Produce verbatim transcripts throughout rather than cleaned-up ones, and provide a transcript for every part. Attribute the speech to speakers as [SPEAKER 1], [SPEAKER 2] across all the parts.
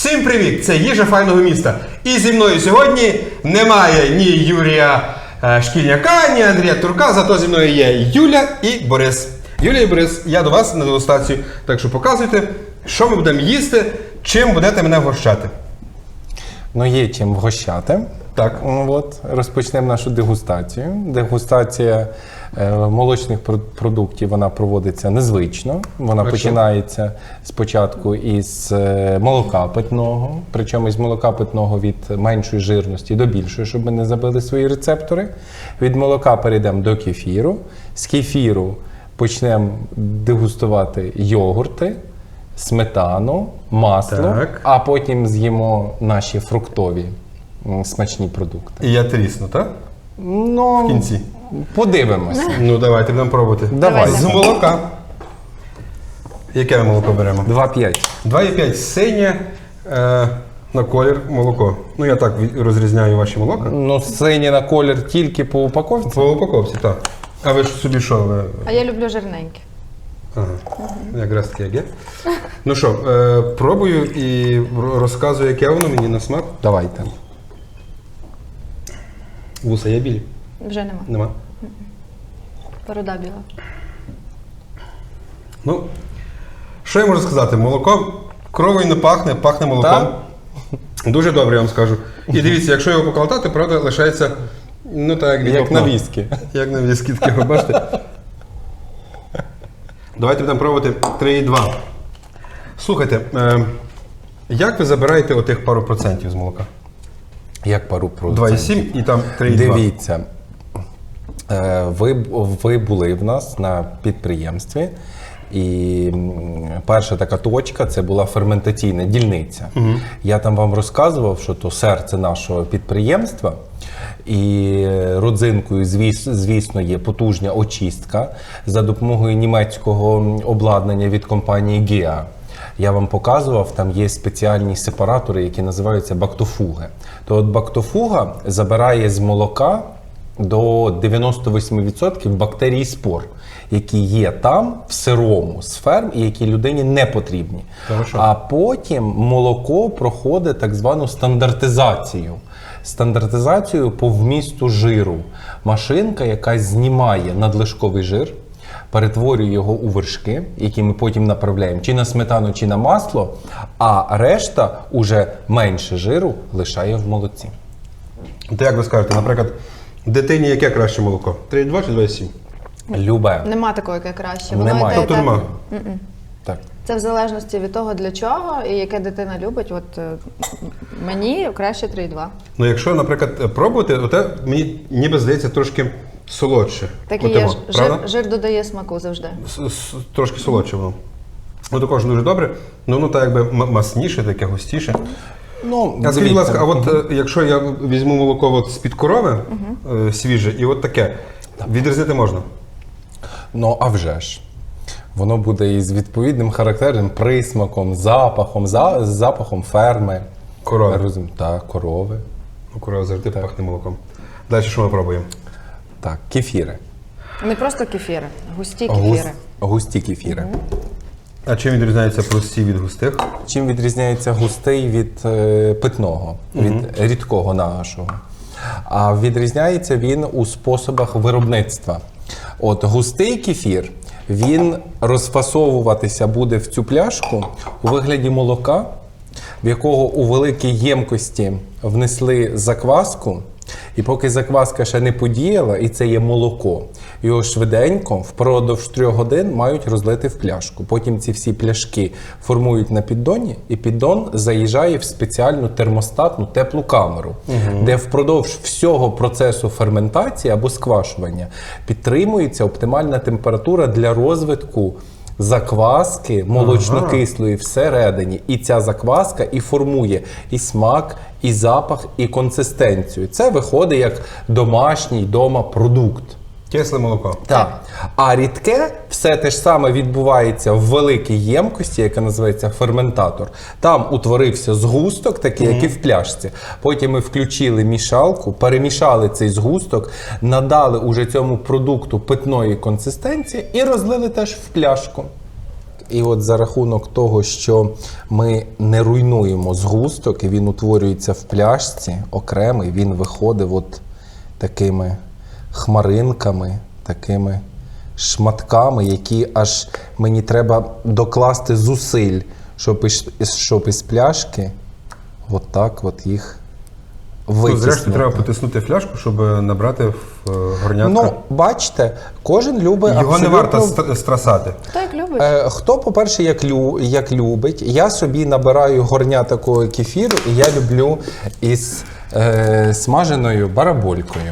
[SPEAKER 1] Всім привіт! Це їжа файного міста. І зі мною сьогодні немає ні Юрія е, Шкільняка, ні Андрія Турка, зато зі мною є Юля і Борис. Юля і Борис, я до вас на дегустацію, так що показуйте, що ми будемо їсти, чим будете мене вгощати.
[SPEAKER 2] Ну, є чим вгощати.
[SPEAKER 1] Так.
[SPEAKER 2] От, розпочнемо нашу дегустацію. Дегустація е, молочних продуктів, вона проводиться незвично. Вона
[SPEAKER 1] Хорошо.
[SPEAKER 2] починається спочатку із е, молока питного, причому із молока питного від меншої жирності до більшої, щоб ми не забили свої рецептори. Від молока перейдемо до кефіру. З кефіру почнемо дегустувати йогурти, сметану, масло,
[SPEAKER 1] Так.
[SPEAKER 2] а потім з'їмо наші фруктові м, смачні продукти.
[SPEAKER 1] І я трісну, так?
[SPEAKER 2] Ну,
[SPEAKER 1] В кінці.
[SPEAKER 2] подивимося.
[SPEAKER 1] Ну давайте будемо пробувати.
[SPEAKER 2] Давай.
[SPEAKER 1] З молока. Яке ми молоко беремо?
[SPEAKER 2] два п'ять.
[SPEAKER 1] два і п'ять синє е, на колір молоко. Ну я так від- розрізняю ваші молока.
[SPEAKER 2] Ну, синій на колір тільки по упаковці.
[SPEAKER 1] По упаковці, так. А ви ж собі що? Ви...
[SPEAKER 3] А я люблю жирненьке.
[SPEAKER 1] Ага. Якраз таке як є. Ну що, е, пробую і р- розказую, яке воно мені на смак.
[SPEAKER 2] Давайте.
[SPEAKER 1] Вуса є білі?
[SPEAKER 3] Вже нема.
[SPEAKER 1] Нема.
[SPEAKER 3] Порода біла.
[SPEAKER 1] Ну, що я можу сказати? Молоко кровою не пахне, пахне молоком.
[SPEAKER 2] Так?
[SPEAKER 1] Дуже добре, я вам скажу. І дивіться, якщо його поколотати, правда, лишається, ну так, як від
[SPEAKER 2] Як
[SPEAKER 1] вапна.
[SPEAKER 2] на віскі.
[SPEAKER 1] Як на віскі, таке, ви бачите? Давайте будемо пробувати три і два. Слухайте, е, як ви забираєте отих пару процентів з молока?
[SPEAKER 2] Як пару
[SPEAKER 1] два і
[SPEAKER 2] процентів.
[SPEAKER 1] сім і там три і два.
[SPEAKER 2] Дивіться, е, ви, ви були в нас на підприємстві, і м, перша така точка – це була ферментаційна дільниця. Угу. Я там вам розказував, що то серце нашого підприємства, і родзинкою, звіс- звісно, є потужна очистка за допомогою німецького обладнання від компанії гіа. Я вам показував, там є спеціальні сепаратори, які називаються бактофуги. То от бактофуга забирає з молока до дев'яносто вісім відсотків бактерій і спор, які є там, в сирому, з ферм, і які людині не потрібні.
[SPEAKER 1] Хорошо.
[SPEAKER 2] А потім молоко проходить так звану стандартизацію. Стандартизацію по вмісту жиру. Машинка, яка знімає надлишковий жир, перетворює його у вершки, які ми потім направляємо чи на сметану, чи на масло, а решта уже менше жиру лишає в молоці.
[SPEAKER 1] То як ви скажете, наприклад, дитині яке краще молоко? три і два чи два і сім?
[SPEAKER 2] Любе.
[SPEAKER 3] Нема такого, яке краще.
[SPEAKER 2] Немає.
[SPEAKER 3] йде
[SPEAKER 1] Тобто
[SPEAKER 3] так-
[SPEAKER 1] нема?
[SPEAKER 2] Так.
[SPEAKER 3] Це в залежності від того, для чого і яке дитина любить. От е, мені краще три і два.
[SPEAKER 1] Ну якщо, наприклад, пробувати, оте мені ніби здається трошки солодше.
[SPEAKER 3] Так і
[SPEAKER 1] Оте
[SPEAKER 3] є.
[SPEAKER 1] во,
[SPEAKER 3] ж-
[SPEAKER 1] правда?
[SPEAKER 3] Жир, жир додає смаку завжди.
[SPEAKER 1] С- с- Трошки солодше воно. Ну також дуже добре, ну воно так якби м- масніше, таке густіше.
[SPEAKER 2] Ну,
[SPEAKER 1] А скажіть, будь ласка, а от е, якщо я візьму молоко от з-під корови, е, свіже, і от таке, відрізнити можна?
[SPEAKER 2] Ну, а вже ж. Воно буде із відповідним характерним присмаком, запахом, за, з запахом ферми.
[SPEAKER 1] Корови.
[SPEAKER 2] Розум- Так, корови.
[SPEAKER 1] Ну, корова завжди пахне молоком. Далі що ми пробуємо?
[SPEAKER 2] Так, кефіри.
[SPEAKER 3] Не просто кефіри, густі
[SPEAKER 2] Гус-
[SPEAKER 3] кефіри.
[SPEAKER 2] густі кефіри.
[SPEAKER 1] А чим відрізняються прості від густих?
[SPEAKER 2] Чим відрізняється густий від е, питного, від рідкого нашого? А відрізняється він у способах виробництва. От густий кефір, він розфасовуватися буде в цю пляшку у вигляді молока, в якого у великій ємкості внесли закваску, і поки закваска ще не подіяла, і це є молоко, його швиденько впродовж трьох годин мають розлити в пляшку. Потім ці всі пляшки формують на піддоні, і піддон заїжджає в спеціальну термостатну теплу камеру, де впродовж всього процесу ферментації або сквашування підтримується оптимальна температура для розвитку закваски молочно-кислої всередині. І ця закваска і формує і смак, і запах, і консистенцію. Це виходить як домашній дома продукт.
[SPEAKER 1] Кисле молоко.
[SPEAKER 2] Так. А рідке все те ж саме відбувається в великій ємкості, яка називається ферментатор. Там утворився згусток, такий, як і в пляшці. Потім ми включили мішалку, перемішали цей згусток, надали уже цьому продукту питної консистенції і розлили теж в пляшку. І от за рахунок того, що ми не руйнуємо згусток, і він утворюється в пляшці окремий, він виходить от такими хмаринками, такими шматками, які аж мені треба докласти зусиль, щоб із, щоб із пляшки от так от їх
[SPEAKER 1] Тут,
[SPEAKER 2] витіснути.
[SPEAKER 1] зрештою, треба потиснути фляжку, щоб набрати в е, горнятка.
[SPEAKER 2] Ну, бачите, кожен любить
[SPEAKER 1] Його
[SPEAKER 2] абсолютно...
[SPEAKER 1] не варто ст- страсати.
[SPEAKER 3] Хто як любить?
[SPEAKER 2] Е, Хто, по-перше, як, лю, як любить, я собі набираю горня такого кефіру, і я люблю із е, смаженою бараболькою.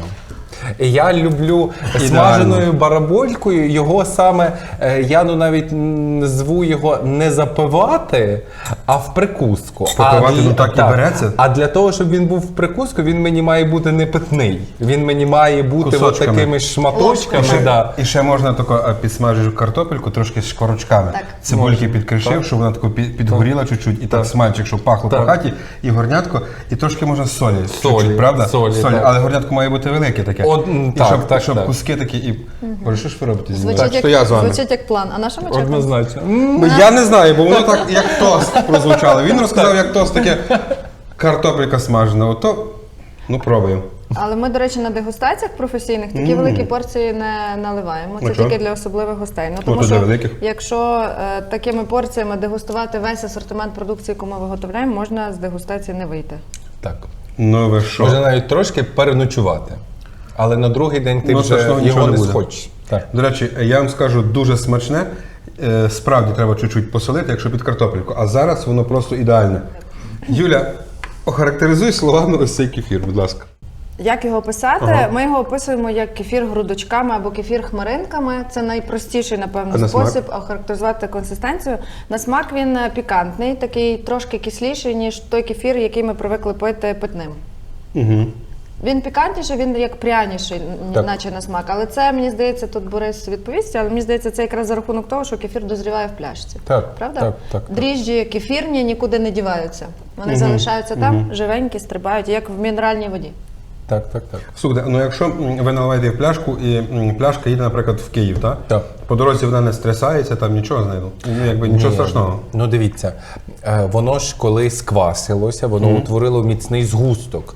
[SPEAKER 2] І я люблю
[SPEAKER 1] Ідеально.
[SPEAKER 2] смаженою бараболькою, його саме, е, я ну навіть назву його не запивати, а в прикуску.
[SPEAKER 1] Попивати,
[SPEAKER 2] а,
[SPEAKER 1] ну, так і береться.
[SPEAKER 2] А для того, щоб він був в прикуску, він мені має бути не питний. Він мені має бути от
[SPEAKER 1] Кусочками.
[SPEAKER 2] такими шматочками.
[SPEAKER 1] І ще,
[SPEAKER 2] Да.
[SPEAKER 1] і ще можна тако а, підсмажиш картопельку трошки з шкорочками.
[SPEAKER 3] Так.
[SPEAKER 1] Цибульки підкришив, щоб вона тако під- підгоріла чуть-чуть, і так смальчик, щоб пахло
[SPEAKER 2] Так.
[SPEAKER 1] по хаті, і горнятко, і трошки можна солі.
[SPEAKER 2] Солі,
[SPEAKER 1] чуть-чуть, правда?
[SPEAKER 2] солі, так.
[SPEAKER 1] Але горнятко має бути велике таке.
[SPEAKER 2] От, м,
[SPEAKER 1] і
[SPEAKER 2] так,
[SPEAKER 1] щоб,
[SPEAKER 2] так,
[SPEAKER 1] щоб
[SPEAKER 2] так.
[SPEAKER 1] куски такі і. Боже, що ж ви робите зі мною?
[SPEAKER 3] Звучить,
[SPEAKER 1] Так, що я з
[SPEAKER 3] як,
[SPEAKER 1] вами.
[SPEAKER 3] звучить як план. А на що ми чекаємо?
[SPEAKER 2] Однозначно.
[SPEAKER 1] Ну, я не знаю, бо воно так як тост прозвучало. Він розказав, як тост таке картопелька смажена. Ото, ну пробуємо.
[SPEAKER 3] Але ми, до речі, на дегустаціях професійних такі великі порції не наливаємо. Це
[SPEAKER 1] А чого?
[SPEAKER 3] тільки для особливих гостей. Ну, тому
[SPEAKER 1] От для
[SPEAKER 3] що
[SPEAKER 1] великих.
[SPEAKER 3] якщо е, такими порціями дегустувати весь асортимент продукції, яку ми виготовляємо, можна з дегустації не вийти.
[SPEAKER 2] Так.
[SPEAKER 1] Ну ви що?
[SPEAKER 2] Може навіть трошки переночувати. Але на другий день ти
[SPEAKER 1] Ну,
[SPEAKER 2] вже
[SPEAKER 1] страшного нічого
[SPEAKER 2] його
[SPEAKER 1] не
[SPEAKER 2] не
[SPEAKER 1] буде.
[SPEAKER 2] схочеш. Так.
[SPEAKER 1] До речі, я вам скажу дуже смачне. Е, Справді треба чуть-чуть посолити, якщо під картопельку. А зараз воно просто ідеальне. Юля, охарактеризуй словами ось цей кефір, будь ласка.
[SPEAKER 3] Як його описати?
[SPEAKER 1] Ага.
[SPEAKER 3] Ми його описуємо як кефір грудочками або кефір хмаринками. Це найпростіший, напевно,
[SPEAKER 1] А на смак?
[SPEAKER 3] спосіб охарактеризувати консистенцію. На смак він е, пікантний, такий трошки кисліший, ніж той кефір, який ми привикли пити питним.
[SPEAKER 1] Угу.
[SPEAKER 3] Він пікантніший, він як пряніший, н-
[SPEAKER 2] Так.
[SPEAKER 3] наче на смак. Але це, мені здається, тут Борис відповість, але мені здається, це якраз за рахунок того, що кефір дозріває в пляшці.
[SPEAKER 2] Так,
[SPEAKER 3] Правда?
[SPEAKER 2] так, так, так.
[SPEAKER 3] Дріжджі кефірні нікуди не діваються. Вони залишаються там, живенькі, стрибають, як в мінеральній воді.
[SPEAKER 2] Так, так, так.
[SPEAKER 1] Слухайте, ну якщо м, ви наливаєте в пляшку і м, пляшка їде, наприклад, в Київ, так?
[SPEAKER 2] Так.
[SPEAKER 1] По дорозі вона не стрясається, там нічого з нею. Ну, якби нічого
[SPEAKER 2] Ні,
[SPEAKER 1] страшного.
[SPEAKER 2] Ну дивіться, е, воно ж коли сквасилося, воно утворило міцний згусток.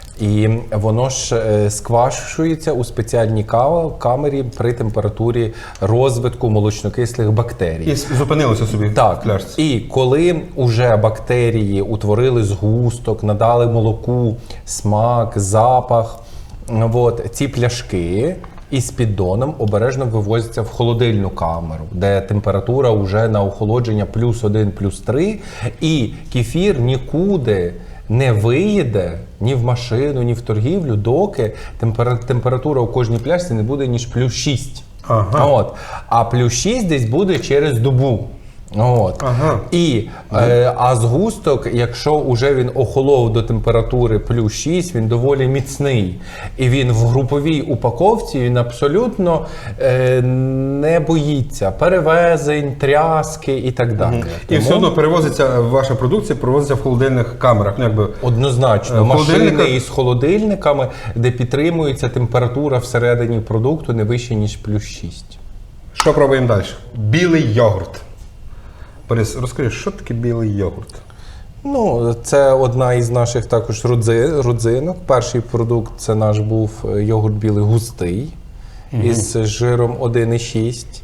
[SPEAKER 2] І воно ж е, сквашується у спеціальній ка- камері при температурі розвитку молочнокислих бактерій.
[SPEAKER 1] І с- зупинилося собі в
[SPEAKER 2] Так,
[SPEAKER 1] пляшці.
[SPEAKER 2] і коли вже бактерії утворили згусток, надали молоку, смак, запах, от, ці пляшки із піддоном обережно вивозяться в холодильну камеру, де температура вже на охолодження плюс один, плюс три, і кефір нікуди не виїде ні в машину, ні в торгівлю, доки темпера- температура у кожній пляшці не буде ніж плюс шість.
[SPEAKER 1] Ага.
[SPEAKER 2] От. А плюс шість десь буде через добу. От.
[SPEAKER 1] Ага.
[SPEAKER 2] І, е, а згусток, якщо вже він охолов до температури плюс шість, він доволі міцний. І він в груповій упаковці він абсолютно е, не боїться перевезень, тряски і так далі.
[SPEAKER 1] І
[SPEAKER 2] Тому
[SPEAKER 1] все одно перевозиться ваша продукція, перевозиться в холодильних камерах. Ну, якби,
[SPEAKER 2] однозначно,
[SPEAKER 1] Е,
[SPEAKER 2] машини
[SPEAKER 1] холодильника-
[SPEAKER 2] із холодильниками, де підтримується температура всередині продукту не вище, ніж плюс шість.
[SPEAKER 1] що пробуємо далі? Білий йогурт. Борис, розкажи, що таке білий йогурт?
[SPEAKER 2] Ну, це одна із наших також родзи, родзинок. Перший продукт це наш був е, йогурт білий густий із жиром один і шість.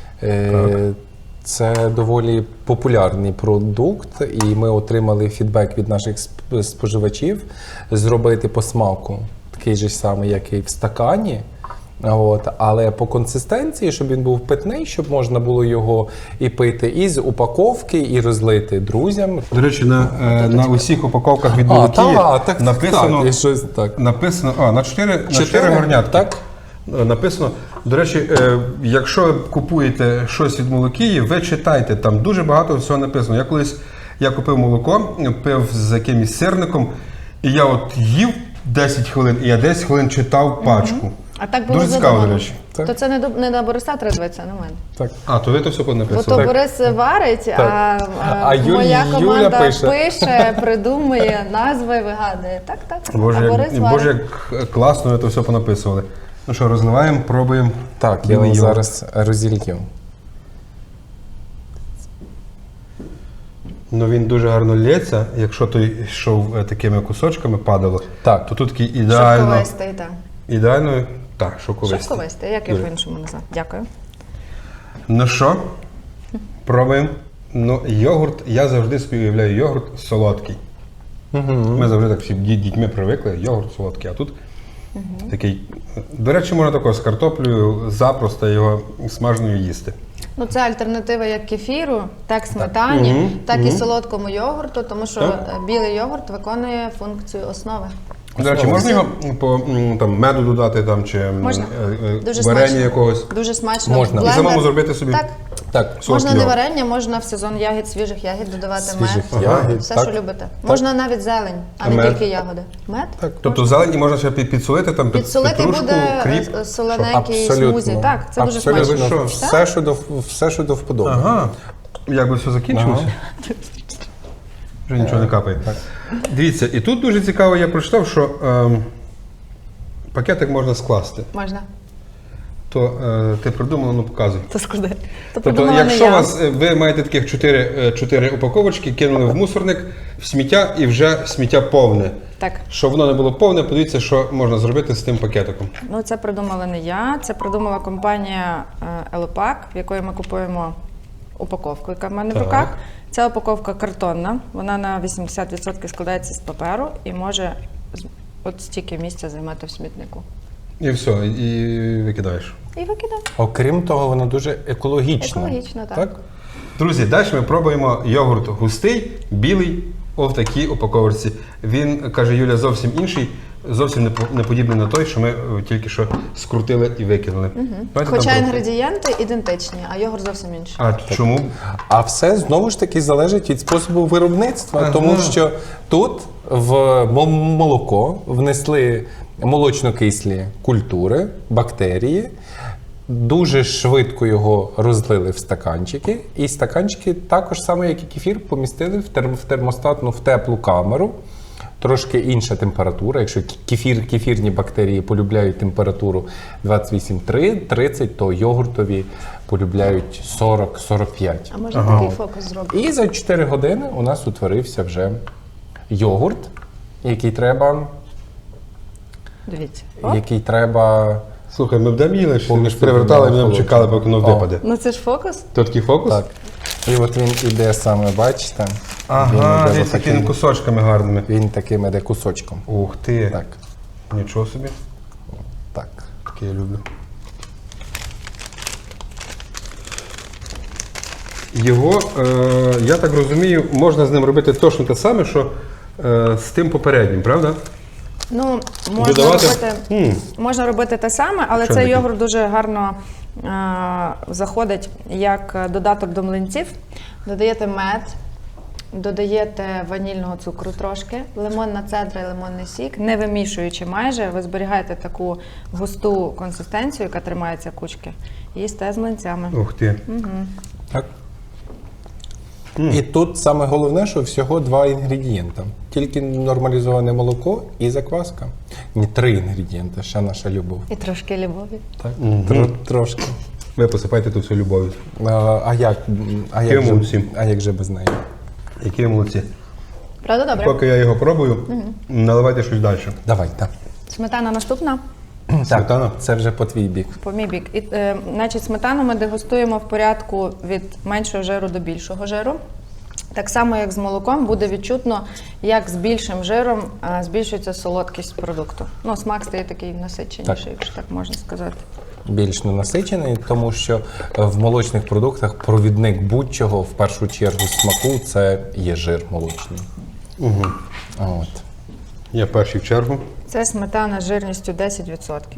[SPEAKER 2] Е, Це доволі популярний продукт, і ми отримали фідбек від наших сп- споживачів зробити по смаку такий же самий, як і в стакані. От, але по консистенції, щоб він був питний, щоб можна було його і пити із упаковки, і розлити друзям.
[SPEAKER 1] До речі, на, е, на усіх упаковках від
[SPEAKER 2] А,
[SPEAKER 1] Молокії
[SPEAKER 2] та, так,
[SPEAKER 1] написано,
[SPEAKER 2] так, і щось так.
[SPEAKER 1] написано, а, на чотири, на
[SPEAKER 2] Чотири?
[SPEAKER 1] чотири горнятки.
[SPEAKER 2] Так.
[SPEAKER 1] Е, Написано. До речі, е, якщо ви купуєте щось від Молокії, ви читайте, там дуже багато всього написано. Я колись я купив молоко, пив з якимось сирником, і я от їв десять хвилин, і я десять хвилин читав пачку.
[SPEAKER 3] А так було
[SPEAKER 1] Дуже цікаво,
[SPEAKER 3] задумано.
[SPEAKER 1] до речі.
[SPEAKER 2] Так.
[SPEAKER 3] То це не, до, не на Бориса треба дивитися, а на мене.
[SPEAKER 2] Так.
[SPEAKER 1] А, то ви то все
[SPEAKER 3] Бо
[SPEAKER 1] написали.
[SPEAKER 3] то Борис варить, а, а,
[SPEAKER 2] А Юль-
[SPEAKER 3] моя
[SPEAKER 2] Юля
[SPEAKER 3] команда
[SPEAKER 2] пише.
[SPEAKER 3] пише, придумує, назви вигадує. Так, так.
[SPEAKER 1] Боже,
[SPEAKER 3] а Борис
[SPEAKER 1] як,
[SPEAKER 3] варить.
[SPEAKER 1] Боже, як класно ви то все понаписували. Ну що, розливаємо, пробуємо.
[SPEAKER 2] Так, я
[SPEAKER 1] білий
[SPEAKER 2] вам
[SPEAKER 1] йогурт.
[SPEAKER 2] зараз розілью.
[SPEAKER 1] Ну він дуже гарно лється. Якщо той йшов е, такими кусочками, падало,
[SPEAKER 2] Так.
[SPEAKER 1] то тут такий ідеально.
[SPEAKER 3] Шовковистий, так.
[SPEAKER 1] Ідеально. Так, шовковистий.
[SPEAKER 3] Шовковистий, як його
[SPEAKER 1] Дуже.
[SPEAKER 3] по-іншому назвати. Дякую.
[SPEAKER 1] Ну що, пробуємо. Ну, йогурт, я завжди собі уявляю йогурт солодкий. Ми завжди так всі ді- дітьми привикли, йогурт солодкий, а тут такий. До речі, можна також з картоплею запросто його смаженою їсти.
[SPEAKER 3] Ну, це альтернатива як кефіру, так сметані,
[SPEAKER 1] Мгм,
[SPEAKER 3] так і
[SPEAKER 1] мгм.
[SPEAKER 3] солодкому йогурту, тому що
[SPEAKER 1] Так.
[SPEAKER 3] е, білий йогурт виконує функцію основи.
[SPEAKER 1] До речі, можна його по м, там, меду додати там, чи м,
[SPEAKER 3] Можна.
[SPEAKER 1] е, е,
[SPEAKER 3] Дуже
[SPEAKER 1] варення
[SPEAKER 3] смачно.
[SPEAKER 1] якогось.
[SPEAKER 3] Дуже смачно.
[SPEAKER 2] Можна.
[SPEAKER 3] В
[SPEAKER 2] І
[SPEAKER 3] блендер.
[SPEAKER 1] самому зробити собі
[SPEAKER 3] Так.
[SPEAKER 2] Так.
[SPEAKER 1] солодкий
[SPEAKER 3] Можна не
[SPEAKER 1] йогурт.
[SPEAKER 3] варення, можна в сезон ягід, свіжих ягід додавати
[SPEAKER 2] Свіжих
[SPEAKER 3] мед.
[SPEAKER 2] ягід,
[SPEAKER 3] Все,
[SPEAKER 2] так.
[SPEAKER 3] що любите. Можна навіть зелень, а
[SPEAKER 1] А
[SPEAKER 3] не
[SPEAKER 1] мед?
[SPEAKER 3] тільки ягоди. Мед?
[SPEAKER 2] Так.
[SPEAKER 1] Тобто зелені можна ще під- підсолити, там під
[SPEAKER 3] Підсолити
[SPEAKER 1] петрушку,
[SPEAKER 3] буде
[SPEAKER 1] кріп.
[SPEAKER 3] е, солененький
[SPEAKER 2] Абсолютно.
[SPEAKER 3] смузі. Так, це дуже
[SPEAKER 2] Абсолютно.
[SPEAKER 3] смачно.
[SPEAKER 1] Що?
[SPEAKER 2] Все, що до, все, що до вподоби.
[SPEAKER 1] Ага. Як би все закінчилося? Вже нічого не капає. Дивіться, і тут дуже цікаво, я прочитав, що ем, пакетик можна скласти.
[SPEAKER 3] Можна.
[SPEAKER 1] То е, ти придумала, ну показуй.
[SPEAKER 3] То складе. То
[SPEAKER 1] Тобто,
[SPEAKER 3] придумала не
[SPEAKER 1] якщо
[SPEAKER 3] я.
[SPEAKER 1] вас, е, ви маєте таких чотири, е, чотири упаковочки, кинули в мусорник, в сміття і вже сміття повне.
[SPEAKER 3] Так.
[SPEAKER 1] Щоб воно не було повне, подивіться, що можна зробити з тим пакетиком.
[SPEAKER 3] Ну, це придумала не я, це придумала компанія е, Елопак, в якої ми купуємо упаковку, яка в мене в
[SPEAKER 1] Так.
[SPEAKER 3] руках. Ця упаковка картонна, вона на вісімдесят відсотків складається з паперу і може з- от стільки місця займати в смітнику.
[SPEAKER 1] І все, і викидаєш.
[SPEAKER 3] І викидав.
[SPEAKER 2] Окрім того, воно дуже екологічно.
[SPEAKER 3] Екологічно, так.
[SPEAKER 2] так?
[SPEAKER 1] Друзі, далі ми пробуємо йогурт густий, білий, о, в такій упаковці. Він, каже Юля, зовсім інший, зовсім не по- не подібний на той, що ми е, тільки що скрутили і викинули. Давайте
[SPEAKER 3] Хоча
[SPEAKER 1] там
[SPEAKER 3] інгредієнти ідентичні, а йогурт зовсім інший.
[SPEAKER 1] А чому?
[SPEAKER 2] А все знову ж таки залежить від способу виробництва,
[SPEAKER 1] Ага.
[SPEAKER 2] тому що тут в мо- молоко внесли молочно-кислі культури, бактерії, дуже швидко його розлили в стаканчики, і стаканчики також само, як і кефір, помістили в, терм- в термостатну в теплу камеру. Трошки інша температура. Якщо кефір, кефірні бактерії полюбляють температуру двадцять вісім три тридцять, то йогуртові полюбляють сорок сорок п'ять.
[SPEAKER 3] А може такий фокус зробити?
[SPEAKER 2] І за чотири години у нас утворився вже йогурт, який треба,
[SPEAKER 3] Дивіться. О,
[SPEAKER 2] який треба.
[SPEAKER 1] Слухай, ми б там їли, що ми ж
[SPEAKER 2] Повністю
[SPEAKER 1] перевертали, ми нам
[SPEAKER 2] холодно.
[SPEAKER 1] чекали, поки воно
[SPEAKER 2] О.
[SPEAKER 1] випаде.
[SPEAKER 3] ну це ж фокус.
[SPEAKER 1] То такий фокус?
[SPEAKER 2] Так. І от він іде саме, бачите?
[SPEAKER 1] Ага,
[SPEAKER 2] він
[SPEAKER 1] він
[SPEAKER 2] іде
[SPEAKER 1] такими
[SPEAKER 2] отаким-
[SPEAKER 1] кусочками гарними.
[SPEAKER 2] Він таким іде кусочком.
[SPEAKER 1] Ух ти.
[SPEAKER 2] Так.
[SPEAKER 1] Нічого собі.
[SPEAKER 2] Так.
[SPEAKER 1] Таке я люблю. Його, е, я так розумію, можна з ним робити точно те саме, що е, з тим попереднім, правда?
[SPEAKER 3] Ну, можна
[SPEAKER 1] Додавати?
[SPEAKER 3] робити,
[SPEAKER 1] М.
[SPEAKER 3] можна робити те саме, але
[SPEAKER 1] Що
[SPEAKER 3] цей
[SPEAKER 1] таке?
[SPEAKER 3] йогурт дуже гарно е, заходить як додаток до млинців. Додаєте мед, додаєте ванільного цукру трошки, лимонна цедра і лимонний сік, не вимішуючи майже, ви зберігаєте таку густу консистенцію, яка тримається кучки, і їсте з млинцями.
[SPEAKER 1] Ух ти.
[SPEAKER 2] Так. І тут саме головне, що всього два інгредієнта. Тільки нормалізоване молоко і закваска. Ні, три інгредієнти, ще наша любов.
[SPEAKER 3] І трошки любові.
[SPEAKER 2] Так? Тро- трошки.
[SPEAKER 1] Ви посипайте тут всю любов'ю.
[SPEAKER 2] А, а як? А як,
[SPEAKER 1] Які
[SPEAKER 2] же,
[SPEAKER 1] молодці.
[SPEAKER 2] а як же без неї?
[SPEAKER 1] Які молодці.
[SPEAKER 3] Правда, добре?
[SPEAKER 1] Поки я його пробую, наливайте щось далі.
[SPEAKER 2] Давай, так.
[SPEAKER 3] Сметана наступна.
[SPEAKER 1] Сметана?
[SPEAKER 2] Це вже по твій бік.
[SPEAKER 3] По мій бік. І, е, значить, сметану ми дегустуємо в порядку від меншого жиру до більшого жиру. Так само, як з молоком, буде відчутно, як з більшим жиром е, збільшується солодкість продукту. Ну, смак стає такий насиченіший,
[SPEAKER 2] Так.
[SPEAKER 3] якщо так можна сказати.
[SPEAKER 2] Більш ненасичений, тому що е, в молочних продуктах провідник будь-чого, в першу чергу смаку, це є жир молочний.
[SPEAKER 1] Угу.
[SPEAKER 2] От.
[SPEAKER 1] Я перший в чергу.
[SPEAKER 3] Це сметана з жирністю десять відсотків.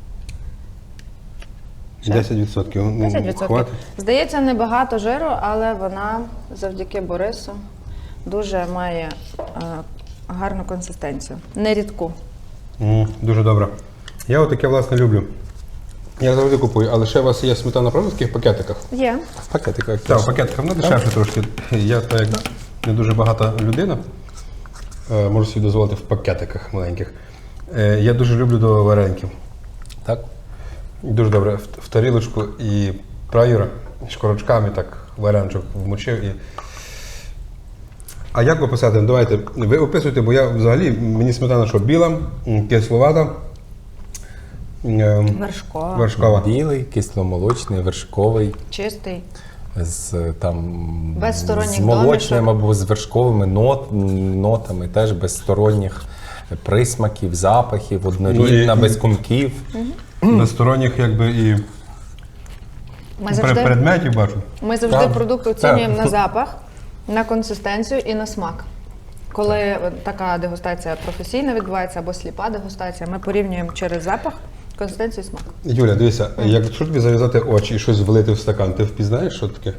[SPEAKER 1] десять відсотків. Ну,
[SPEAKER 3] десять відсотків.
[SPEAKER 1] хватить.
[SPEAKER 3] Здається, небагато жиру, але вона завдяки Борису дуже має е, гарну консистенцію. Не рідку.
[SPEAKER 1] М, Дуже добре. Я отаке, власне, люблю. Я завжди купую, але ще у вас є сметана, правда, в таких пакетиках?
[SPEAKER 3] Є.
[SPEAKER 2] В пакетиках.
[SPEAKER 1] Так, в пакетиках, вона дешевше трошки. Я так як не дуже багата людина, е, можу собі дозволити в пакетиках маленьких. Е, Я дуже люблю до вареників.
[SPEAKER 2] Так.
[SPEAKER 1] Дуже добре. В, в тарілочку і праюра шкорочками так вареничок вмочив і А як ви писати? Давайте, ви описуйте, бо я взагалі, мені сметана, що біла, м, кисловата, ем,
[SPEAKER 3] Вершкова,
[SPEAKER 1] вершкова.
[SPEAKER 2] Білий, кисломолочний, вершковий.
[SPEAKER 3] чистий.
[SPEAKER 2] З там
[SPEAKER 3] Без сторонніх
[SPEAKER 2] з молочним
[SPEAKER 3] домішок.
[SPEAKER 2] або з вершковими нот, нотами, теж без сторонніх присмаків, запахів, однорідна,
[SPEAKER 1] Ну, і-
[SPEAKER 2] без кумків.
[SPEAKER 1] Без сторонніх, якби, і
[SPEAKER 3] Ми завжди,
[SPEAKER 1] предметів бачу.
[SPEAKER 3] ми завжди
[SPEAKER 2] Так.
[SPEAKER 3] продукт оцінюємо на запах, на консистенцію і на смак. Коли така дегустація професійна відбувається або сліпа дегустація, ми порівнюємо через запах, консистенцію і смак.
[SPEAKER 1] Юля, дивися, якщо тобі зав'язати очі і щось влити в стакан, ти впізнаєш, що таке?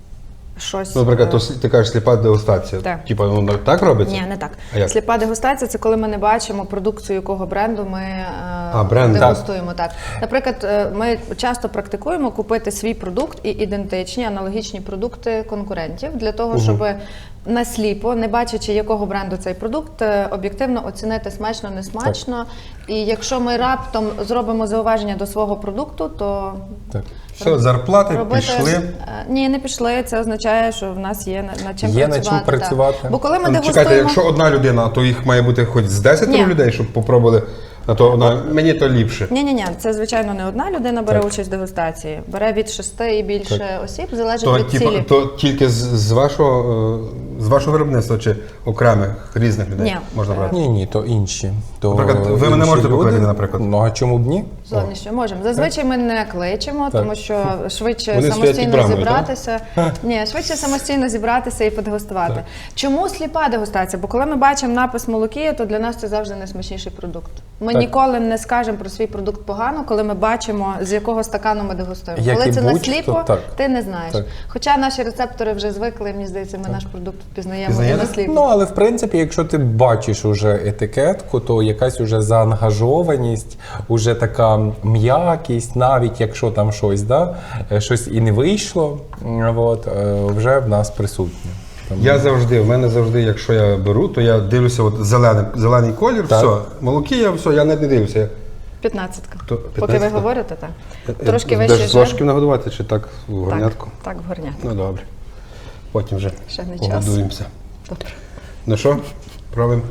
[SPEAKER 3] Щось,
[SPEAKER 1] Ну, наприклад,
[SPEAKER 3] е,
[SPEAKER 1] то с- ти кажеш сліпа дегустація.
[SPEAKER 3] Так.
[SPEAKER 1] Типа, воно так робиться?
[SPEAKER 3] Ні, не так.
[SPEAKER 1] А як?
[SPEAKER 3] Сліпа дегустація це коли ми не бачимо продукцію якого бренду ми е,
[SPEAKER 1] А, бренд,
[SPEAKER 3] дегустуємо. Так. Наприклад, е, ми часто практикуємо купити свій продукт і ідентичні аналогічні продукти конкурентів для того, щоб насліпо, не бачачи якого бренду цей продукт, е, об'єктивно оцінити смачно, не смачно. І якщо ми раптом зробимо зауваження до свого продукту, то
[SPEAKER 2] Так.
[SPEAKER 1] Все, зарплати
[SPEAKER 3] робити
[SPEAKER 1] пішли.
[SPEAKER 3] Е, ні, не пішли. Це означає, що в нас є на- над чим
[SPEAKER 2] Є над
[SPEAKER 3] працювати.
[SPEAKER 2] чим працювати.
[SPEAKER 3] Так. Бо коли ми
[SPEAKER 1] Але
[SPEAKER 3] дегустуємо...
[SPEAKER 1] чекайте, якщо одна людина, то їх має бути хоч з десять
[SPEAKER 3] Ні.
[SPEAKER 1] людей, щоб попробували, а то вона, мені то ліпше.
[SPEAKER 3] Ні, ні, ні, це звичайно не одна людина бере
[SPEAKER 2] Так.
[SPEAKER 3] участь в дегустації. Бере від шести і більше осіб, залежить
[SPEAKER 1] То,
[SPEAKER 3] від
[SPEAKER 1] типу,
[SPEAKER 3] цілі.
[SPEAKER 1] то тільки з, з вашого е, з вашого виробництва чи окремих різних людей
[SPEAKER 3] Ні.
[SPEAKER 1] можна брати?
[SPEAKER 2] Ні, ні, то інші. То
[SPEAKER 1] Наприклад, ви мене
[SPEAKER 2] інші
[SPEAKER 1] можете
[SPEAKER 2] люди.
[SPEAKER 1] покликати, наприклад?
[SPEAKER 2] Ну а чому б ні?
[SPEAKER 3] Зовнішньо можемо. Зазвичай ми не кличемо,
[SPEAKER 2] Так.
[SPEAKER 3] тому що швидше
[SPEAKER 1] Вони стоять під
[SPEAKER 3] самостійно
[SPEAKER 1] брамою,
[SPEAKER 3] зібратися. Ні, швидше самостійно зібратися і подегустувати. Чому сліпа дегустація? Бо коли ми бачимо напис молокія, то для нас це завжди найсмачніший продукт. Ми
[SPEAKER 2] Так.
[SPEAKER 3] ніколи не скажемо про свій продукт погано, коли ми бачимо, з якого стакану ми дегустуємо.
[SPEAKER 2] Як
[SPEAKER 3] коли
[SPEAKER 2] і
[SPEAKER 3] це
[SPEAKER 2] будь-хто,
[SPEAKER 3] насліпо,
[SPEAKER 2] так.
[SPEAKER 3] ти не знаєш.
[SPEAKER 2] Так.
[SPEAKER 3] Хоча наші рецептори вже звикли, мені здається, ми наш продукт впізнаємо і
[SPEAKER 1] Пізнаєте?
[SPEAKER 3] насліпо.
[SPEAKER 2] Ну, але в принципі, якщо ти бачиш уже етикетку, то якась уже заангажованість, уже така м'якість, навіть якщо там щось, да, е, щось і не вийшло, м, от, е, вже в нас присутнє. Тому-
[SPEAKER 1] Я завжди, в мене завжди, якщо я беру, то я дивлюся, от зелений, зелений колір,
[SPEAKER 2] Так.
[SPEAKER 1] все, молокія, все, я навіть не дивлюся. Я-
[SPEAKER 3] П'ятнадцятка.
[SPEAKER 1] То-
[SPEAKER 3] Поки ви
[SPEAKER 1] п'ятнадцятка?
[SPEAKER 3] говорите, так.
[SPEAKER 1] я-
[SPEAKER 3] Трошки
[SPEAKER 1] я-
[SPEAKER 3] вищий
[SPEAKER 1] Де ж з
[SPEAKER 3] жир.
[SPEAKER 1] ложків нагодувати чи так в горнятку?
[SPEAKER 3] Так, так, в горнятку.
[SPEAKER 1] Ну добре. Потім вже
[SPEAKER 3] Ще не час.
[SPEAKER 1] погодуємося.
[SPEAKER 3] Добре.
[SPEAKER 1] Ну що, пробуємо.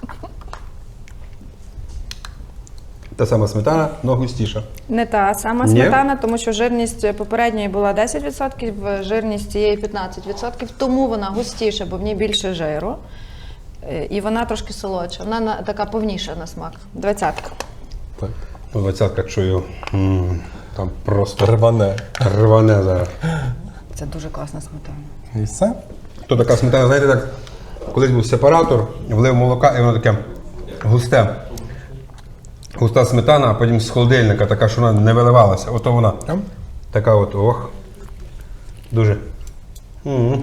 [SPEAKER 1] Та сама сметана, но густіша.
[SPEAKER 3] Не та сама
[SPEAKER 1] Ні?
[SPEAKER 3] сметана, тому що жирність попередньої була десять відсотків, жирність цієї п'ятнадцять відсотків, тому вона густіша, бо в ній більше жиру. Е, І вона трошки солодша, вона на- така повніша на смак. Двадцятка.
[SPEAKER 2] Так.
[SPEAKER 1] Ну, двадцятка чую. м, Там просто
[SPEAKER 2] Рване.
[SPEAKER 1] рване зараз.
[SPEAKER 3] Це дуже класна сметана.
[SPEAKER 2] І все?
[SPEAKER 1] То така сметана, знаєте, так, колись був сепаратор, влив молока, і воно таке густе. Густа сметана, а потім з холодильника, така, що вона не виливалася. Ото вона. Така от, ох. Дуже. М.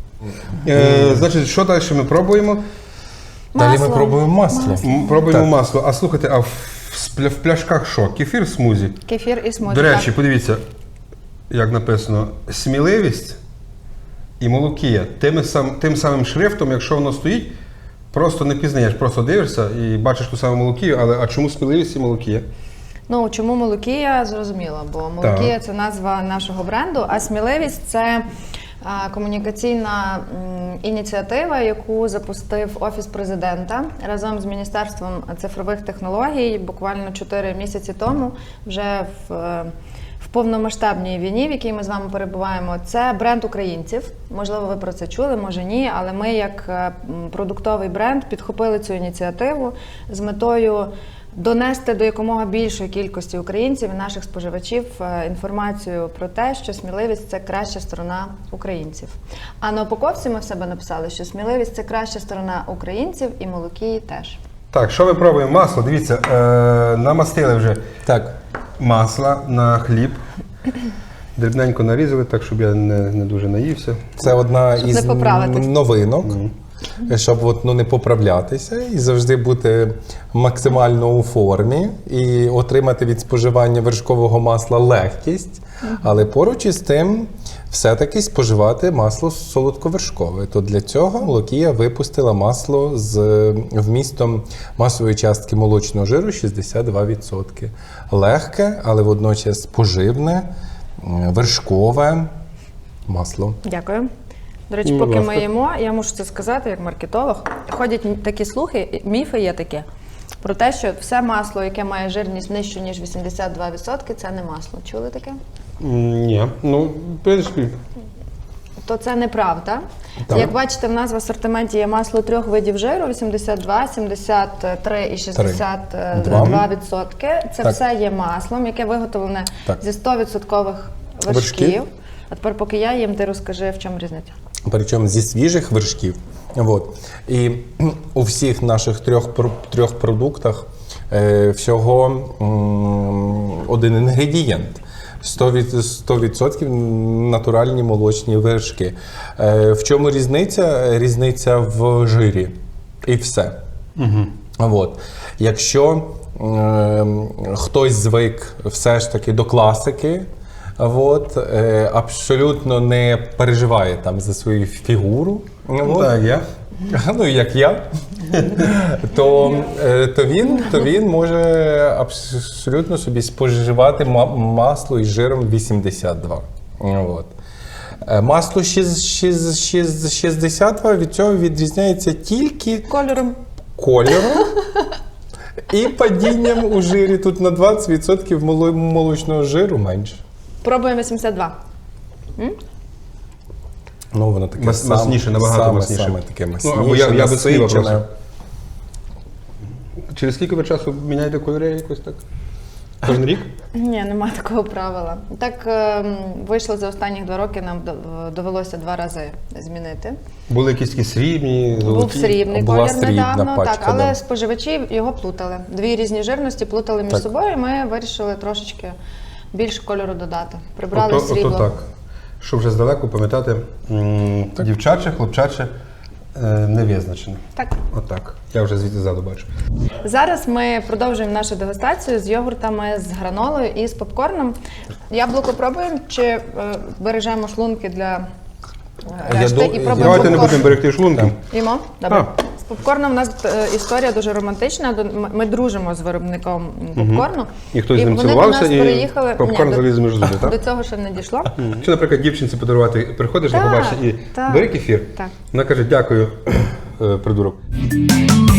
[SPEAKER 1] Е, значить, що далі ми пробуємо?
[SPEAKER 2] Далі ми
[SPEAKER 3] Масло.
[SPEAKER 2] пробуємо масло.
[SPEAKER 1] М, Пробуємо
[SPEAKER 2] Так.
[SPEAKER 1] масло. А слухайте, а в, в, в пляшках що? Кефір, смузі?
[SPEAKER 3] Кефір і смузі.
[SPEAKER 1] До речі,
[SPEAKER 3] так.
[SPEAKER 1] подивіться, як написано, сміливість і молокія. Тим, сам, тим самим шрифтом, якщо воно стоїть, просто не пізнаєш, просто дивишся і бачиш ту саму молокію, але а чому сміливість і молокія?
[SPEAKER 3] Ну, чому Молокія, зрозуміло, бо Молокія – це назва нашого бренду, а сміливість – це а, комунікаційна м, ініціатива, яку запустив Офіс президента разом з Міністерством цифрових технологій буквально чотири місяці тому, вже в, е, в повномасштабній війні, в якій ми з вами перебуваємо. Це бренд українців. Можливо, ви про це чули, може ні, але ми як е, м, продуктовий бренд підхопили цю ініціативу з метою донести до якомога більшої кількості українців і наших споживачів е, інформацію про те, що сміливість – це краща сторона українців. А на упаковці ми в себе написали, що сміливість – це краща сторона українців і Молокії теж.
[SPEAKER 1] Так, що ми пробуємо? Масло, дивіться, е, намастили вже
[SPEAKER 2] Так.
[SPEAKER 1] масла на хліб. Дрібненько нарізали, так, щоб я не, не дуже наївся.
[SPEAKER 2] Це одна
[SPEAKER 3] Щоб
[SPEAKER 2] із
[SPEAKER 3] не поправитись.
[SPEAKER 2] новинок, щоб от, ну, не поправлятися і завжди бути максимально у формі і отримати від споживання вершкового масла легкість, але поруч із тим все-таки споживати масло солодковершкове. То для цього Молокія випустила масло з вмістом масової частки молочного жиру шістдесят два відсотки. Легке, але водночас поживне, м, вершкове масло.
[SPEAKER 3] Дякую. До речі,
[SPEAKER 1] Ну,
[SPEAKER 3] поки
[SPEAKER 1] будь
[SPEAKER 3] ми
[SPEAKER 1] ласка.
[SPEAKER 3] їмо, я мушу це сказати, як маркетолог. Ходять такі слухи, міфи є такі, про те, що все масло, яке має жирність нижчу, ніж вісімдесят два відсотки, це не масло. Чули таке?
[SPEAKER 1] М, Ні, ну, в принципі,
[SPEAKER 3] То це неправда.
[SPEAKER 2] Так.
[SPEAKER 3] Як бачите, в нас в асортименті є масло трьох видів жиру: вісімдесят два, сімдесят три і шістдесят два відсотки. Це
[SPEAKER 2] Так.
[SPEAKER 3] все є маслом, яке виготовлене
[SPEAKER 2] Так.
[SPEAKER 3] зі сто відсотків вершків.
[SPEAKER 2] Вершків.
[SPEAKER 3] А тепер, поки я їм, ти розкажи, в чому різниця.
[SPEAKER 2] Причому зі свіжих вершків. Вот. І у всіх наших трьох, пр- трьох продуктах е, всього м, один інгредієнт. сто від- сто відсотків натуральні молочні вершки. Е, в чому різниця? Різниця в жирі. І все. Угу. Вот. Якщо е, хтось звик все ж таки до класики, от, е, абсолютно не переживає там за свою фігуру, от,
[SPEAKER 1] так, я.
[SPEAKER 2] ну як я, то, е, то, він, то він може абсолютно собі споживати ма- масло із жиром вісімдесят два. От. Е, Масло шість- шість- шість- шістдесят два від цього відрізняється тільки
[SPEAKER 3] Кольором.
[SPEAKER 2] кольором і падінням у жирі. Тут на двадцять відсотків моло- молочного жиру менше.
[SPEAKER 3] Пробуємо вісімдесят два.
[SPEAKER 2] Ну, воно таке
[SPEAKER 1] Мас-
[SPEAKER 2] сам-
[SPEAKER 1] масніше, набагато
[SPEAKER 2] саме,
[SPEAKER 1] масніше.
[SPEAKER 2] Саме таке
[SPEAKER 1] Ну,
[SPEAKER 2] масніше,
[SPEAKER 1] або я- я би схилив
[SPEAKER 2] насичене.
[SPEAKER 1] просто. Через скільки ви часу міняєте кольори якось так? Кожен рік?
[SPEAKER 3] Ні, немає такого правила. Так ем, вийшло за останні два роки, нам до- довелося два рази змінити.
[SPEAKER 1] Були якісь такі срібні,
[SPEAKER 3] Був
[SPEAKER 1] золоті?
[SPEAKER 3] срібний
[SPEAKER 2] Була
[SPEAKER 3] колір
[SPEAKER 2] срібна
[SPEAKER 3] недавно,
[SPEAKER 2] пачка,
[SPEAKER 3] так, але
[SPEAKER 2] да.
[SPEAKER 3] споживачі його плутали. Дві різні жирності плутали між
[SPEAKER 2] Так.
[SPEAKER 3] собою, і ми вирішили трошечки більше кольору додати. Прибрали
[SPEAKER 1] Ото,
[SPEAKER 3] срібло.
[SPEAKER 1] ото так. Щоб вже здалеку пам'ятати, м, дівчаче, хлопчаче, е, не визначено.
[SPEAKER 3] Так.
[SPEAKER 1] Отак. Я вже звідти ззаду бачу.
[SPEAKER 3] Зараз ми продовжуємо нашу дегустацію з йогуртами, з гранолою і з попкорном. Яблуко пробуємо чи е, бережемо шлунки для е,
[SPEAKER 2] Я
[SPEAKER 3] решти
[SPEAKER 2] ду-
[SPEAKER 3] і пробуємо
[SPEAKER 1] Давайте не
[SPEAKER 3] попкорн?
[SPEAKER 1] будемо берегти шлунки.
[SPEAKER 3] Їмо? Добре.
[SPEAKER 1] А.
[SPEAKER 3] З попкорном у нас е, історія дуже романтична. До- Ми, ми дружимо з виробником попкорну.
[SPEAKER 1] І хтось з ним
[SPEAKER 3] вони
[SPEAKER 1] цілувався,
[SPEAKER 3] до нас
[SPEAKER 1] і
[SPEAKER 3] переїхали.
[SPEAKER 1] попкорн
[SPEAKER 3] Ні,
[SPEAKER 1] заліз між зуби,
[SPEAKER 3] до,
[SPEAKER 1] так?
[SPEAKER 3] до цього ще не дійшло.
[SPEAKER 1] Чи, наприклад, дівчинці подарувати, приходиш,
[SPEAKER 3] Так,
[SPEAKER 1] не побачиш і
[SPEAKER 3] так,
[SPEAKER 1] бери кефір.
[SPEAKER 3] так.
[SPEAKER 1] Вона каже, дякую, е, придурок.